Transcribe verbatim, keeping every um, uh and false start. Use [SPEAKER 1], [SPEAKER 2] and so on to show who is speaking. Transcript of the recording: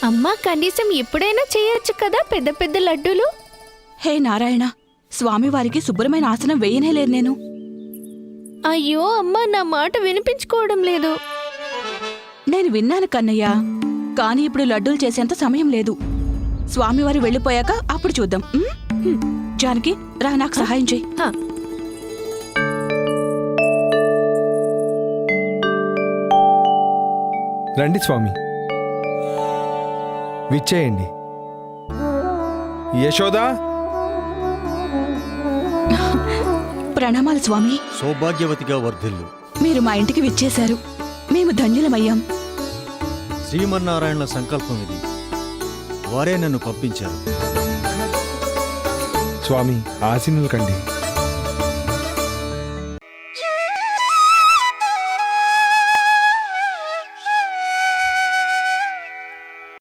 [SPEAKER 1] అమ్మా కనీసం ఎప్పుడైనా చేయొచ్చు కదా పెద్ద పెద్ద లడ్డూలు.
[SPEAKER 2] హే నారాయణ, స్వామివారికి శుభ్రమైన ఆసనం వేయనేలేదు నేను.
[SPEAKER 1] అయ్యో అమ్మా, నా మాట వినిపించుకోవడం లేదు.
[SPEAKER 2] నేను విన్నాను కన్నయ్య, కాని ఇప్పుడు లడ్డూలు చేసేంత సమయం లేదు. స్వామివారు వెళ్ళిపోయాక అప్పుడు చూద్దాం. ఉమ్? జానకి రా, నాకు సహాయం చెయ్యి.
[SPEAKER 1] హా.
[SPEAKER 3] రండి స్వామి, విచ్చేయండి. యశోదా,
[SPEAKER 2] ప్రణామాలు స్వామి.
[SPEAKER 4] సౌభాగ్యవతిగా వర్ధిల్లు.
[SPEAKER 2] మీరు మా ఇంటికి విచ్చేశారు, మేము ధన్యులమయ్యాం.
[SPEAKER 4] శ్రీమన్నారాయణ సంకల్పం ఇది, వారే నన్ను పంపించారు.
[SPEAKER 3] స్వామి ఆశీనులు కండి.